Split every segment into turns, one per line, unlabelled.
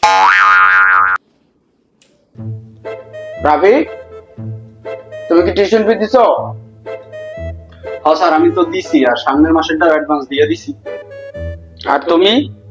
রাফি, তুমি কি tuition fee দিছো?
হ্যাঁ স্যার, আমি তো দিছি, আর সামনের মাসেরটা অ্যাডভান্স দিয়ে দিছি।
আর তুমি?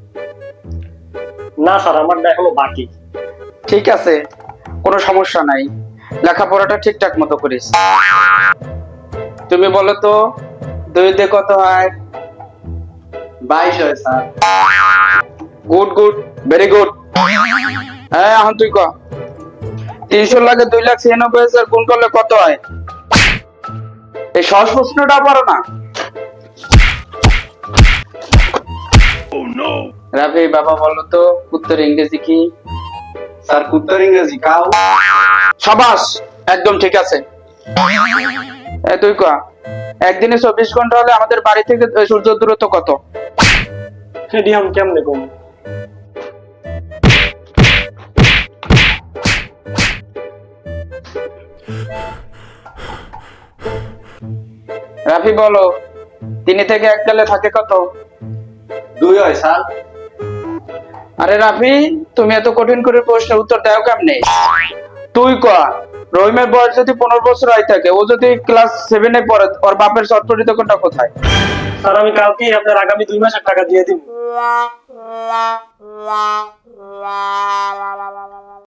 না স্যার, আমারটা এখনো বাকি।
ঠিক আছে, কোনো সমস্যা নাই, লেখাপড়াটা ঠিকঠাক মতো করিস। তুমি বলো তো, 2 দিয়ে কত হয়?
22 হয় sir.
Good good, very good. হ্যাঁ, এখন তুই ক 300 লাগে 2,96,000 গুণ করলে কত হয়? এই সহজ প্রশ্নটা পারো না? রাফি বাবা বলো তো, উত্তর ইংরেজি কি?
স্যার উত্তর ইংরেজি কাউ।
সাবাস, একদম ঠিক আছে। তুই ক একদিনে 24 ঘন্টা হলে আমাদের বাড়ি থেকে সূর্যের দূরত্ব কত?
সেটি আমি কেমনে কম?
রাফি বলো, 3 থেকে 1 গেলে থাকে কত?
2 হয় স্যার।
আরে রাফি, তুমি এত কঠিন করে প্রশ্নের উত্তর দাও কেমনে? তুই ক রহিমের বয়স যদি 15 বছর হয় থাকে, ও যদি ক্লাস 7 এ পড়ে, ওর বাপের চটপটি দোকানটা কোথায়?
স্যার আমি কালকেই আপনার আগামী 2 মাসের টাকা দিয়ে দিব।